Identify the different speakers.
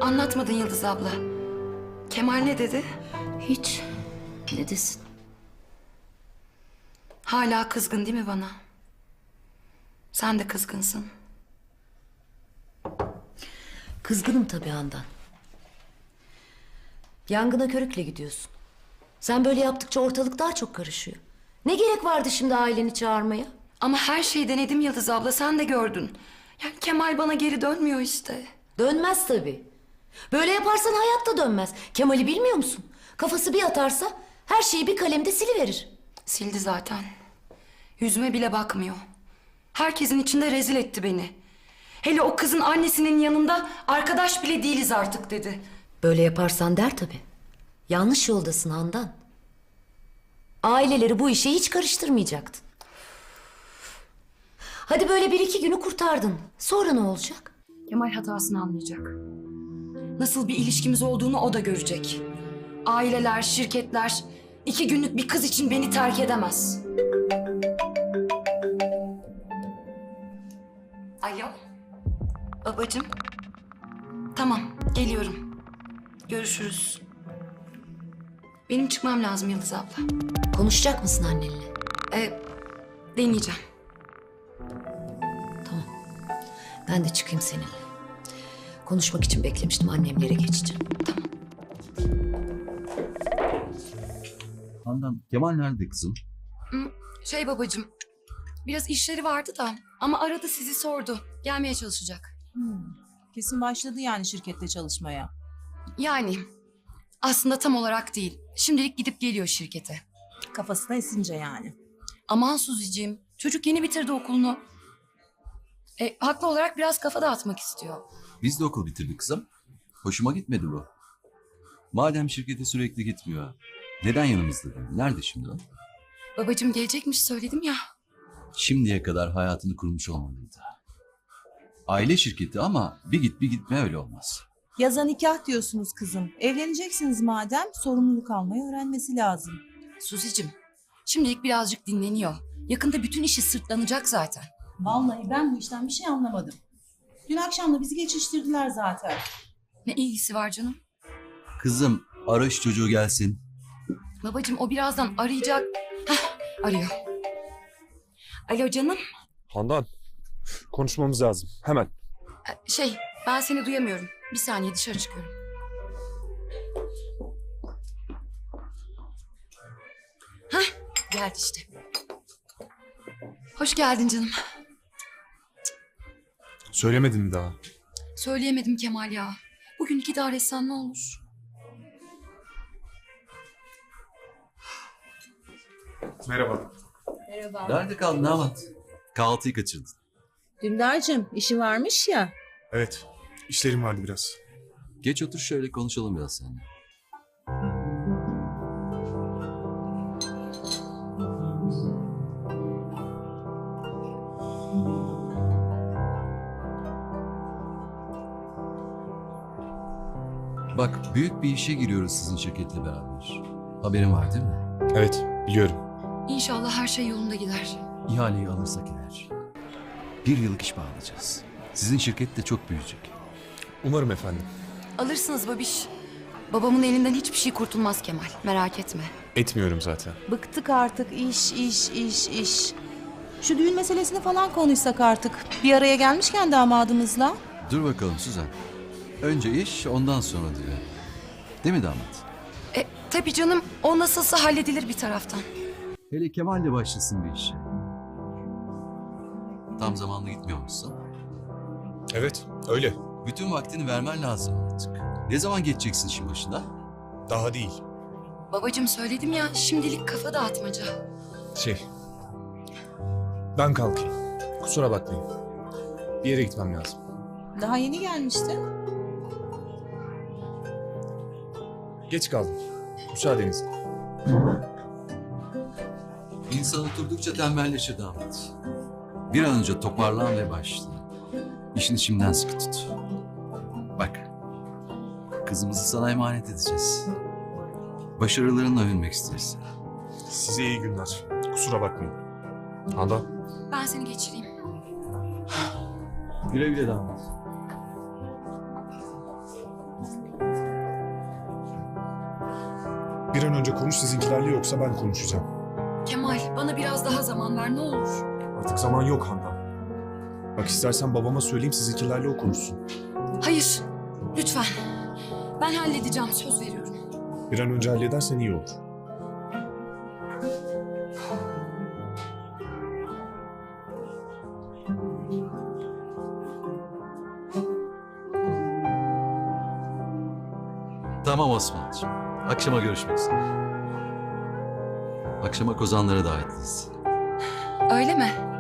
Speaker 1: Anlatmadın Yıldız abla. Kemal ne dedi?
Speaker 2: Hiç. Ne desin?
Speaker 1: Hala kızgın değil mi bana? Sen de kızgınsın.
Speaker 2: Kızgınım tabii Handan. Yangına körükle gidiyorsun. Sen böyle yaptıkça ortalık daha çok karışıyor. Ne gerek vardı şimdi aileni çağırmaya?
Speaker 1: Ama her şeyi denedim Yıldız abla, sen de gördün. Yani Kemal bana geri dönmüyor işte.
Speaker 2: Dönmez tabii. Böyle yaparsan hayatta dönmez. Kemal'i bilmiyor musun? Kafası bir atarsa her şeyi bir kalemde siliverir.
Speaker 1: Sildi zaten. Yüzüme bile bakmıyor. Herkesin içinde rezil etti beni. Hele o kızın annesinin yanında arkadaş bile değiliz artık dedi.
Speaker 2: Böyle yaparsan der tabii. Yanlış yoldasın Handan. Aileleri bu işe hiç karıştırmayacaktın. Hadi böyle bir iki günü kurtardın. Sonra ne olacak?
Speaker 1: Kemal hatasını anlayacak. Nasıl bir ilişkimiz olduğunu o da görecek. Aileler, şirketler 2 günlük bir kız için beni terk edemez. Alo. Babacığım. Tamam, geliyorum. Görüşürüz. Benim çıkmam lazım Yıldız abla.
Speaker 2: Konuşacak mısın annenle?
Speaker 1: Deneyeceğim.
Speaker 2: Tamam. Ben de çıkayım seninle. Konuşmak için beklemiştim. Annemlere geçeceğim.
Speaker 3: Handan, Kemal nerede kızım?
Speaker 1: Babacığım, biraz işleri vardı da ama aradı sizi sordu. Gelmeye çalışacak.
Speaker 4: Kesin başladı yani şirkette çalışmaya.
Speaker 1: Yani aslında tam olarak değil. Şimdilik gidip geliyor şirkete.
Speaker 4: Kafasına esince yani.
Speaker 1: Aman Suzi'ciğim, çocuk yeni bitirdi okulunu. Haklı olarak biraz kafa dağıtmak istiyor.
Speaker 3: Biz de okul bitirdik kızım. Hoşuma gitmedi bu. Madem şirkete sürekli gitmiyor, neden yanımızda değil? Nerede şimdi o?
Speaker 1: Babacığım gelecekmiş söyledim ya.
Speaker 3: Şimdiye kadar hayatını kurmuş olmalıydı. Aile şirketi ama bir git bir gitme öyle olmaz.
Speaker 4: Yaza nikah diyorsunuz kızım. Evleneceksiniz madem sorumluluk almayı öğrenmesi lazım.
Speaker 1: Suzi'cim, şimdilik birazcık dinleniyor. Yakında bütün işi sırtlanacak zaten.
Speaker 4: Vallahi ben bu işten bir şey anlamadım. Dün akşam da bizi geçiştirdiler zaten.
Speaker 1: Ne ilgisi var canım?
Speaker 3: Kızım ara şu çocuğu gelsin.
Speaker 1: Babacığım o birazdan arayacak. Arıyor. Alo canım.
Speaker 5: Handan, konuşmamız lazım. Hemen.
Speaker 1: Ben seni duyamıyorum. Bir saniye dışarı çıkıyorum. Geldi işte. Hoş geldin canım.
Speaker 5: Söylemedin mi daha?
Speaker 1: Söyleyemedim Kemal ya. Bugün idare etsen ne olur?
Speaker 5: Merhaba.
Speaker 4: Merhaba.
Speaker 3: Nerede kaldın damat? Kahvaltıyı kaçırdın.
Speaker 4: Dündar'cığım işi varmış ya.
Speaker 5: Evet, işlerim vardı biraz.
Speaker 3: Geç otur şöyle konuşalım biraz seninle. Bak büyük bir işe giriyoruz sizin şirketle beraber. Haberin var değil mi?
Speaker 5: Evet, biliyorum.
Speaker 1: İnşallah her şey yolunda gider.
Speaker 3: İhaleyi alırsak eğer 1 yıllık iş bağlayacağız. Sizin şirket de çok büyüyecek.
Speaker 5: Umarım efendim.
Speaker 1: Alırsınız babiş. Babamın elinden hiçbir şey kurtulmaz Kemal. Merak etme.
Speaker 5: Etmiyorum zaten.
Speaker 4: Bıktık artık iş. Şu düğün meselesini falan konuşsak artık. Bir araya gelmişken damadımızla.
Speaker 3: Dur bakalım Suzan. Önce iş ondan sonra diyor. Değil mi damat?
Speaker 1: Tabii canım. O nasılsa halledilir bir taraftan.
Speaker 3: Hele Kemal de başlasın bir işe. Tam zamanlı gitmiyor musun?
Speaker 5: Evet, öyle.
Speaker 3: Bütün vaktini vermen lazım artık. Ne zaman geçeceksin işin başına?
Speaker 5: Daha değil.
Speaker 1: Babacığım söyledim ya, şimdilik kafa dağıtmaca.
Speaker 5: Ben kalkayım. Kusura bakmayın. Bir yere gitmem lazım.
Speaker 4: Daha yeni gelmişti.
Speaker 5: Geç kaldım. Müsaadenizle.
Speaker 3: İnsan oturdukça tembelleşir damat. Bir an önce toparlan ve başla. İşini şimdiden sıkı tut. Bak, kızımızı sana emanet edeceğiz. Başarılarınla övünmek isteriz.
Speaker 5: Size iyi günler. Kusura bakmayın. Handan.
Speaker 1: Ben seni geçireyim.
Speaker 3: Güle güle damat.
Speaker 5: Bir an önce konuş sizinkilerle, yoksa ben konuşacağım.
Speaker 1: Kemal, bana biraz daha zaman ver ne olur.
Speaker 5: Artık zaman yok Handan. Bak istersen babama söyleyeyim, sizinkilerle o konuşsun.
Speaker 1: Hayır, lütfen. Ben halledeceğim, söz veriyorum.
Speaker 5: Bir an önce halledersen iyi olur.
Speaker 3: Tamam Osman'cığım. Akşama görüşmek üzere. Akşama kozanlara davetliyiz.
Speaker 1: Öyle mi?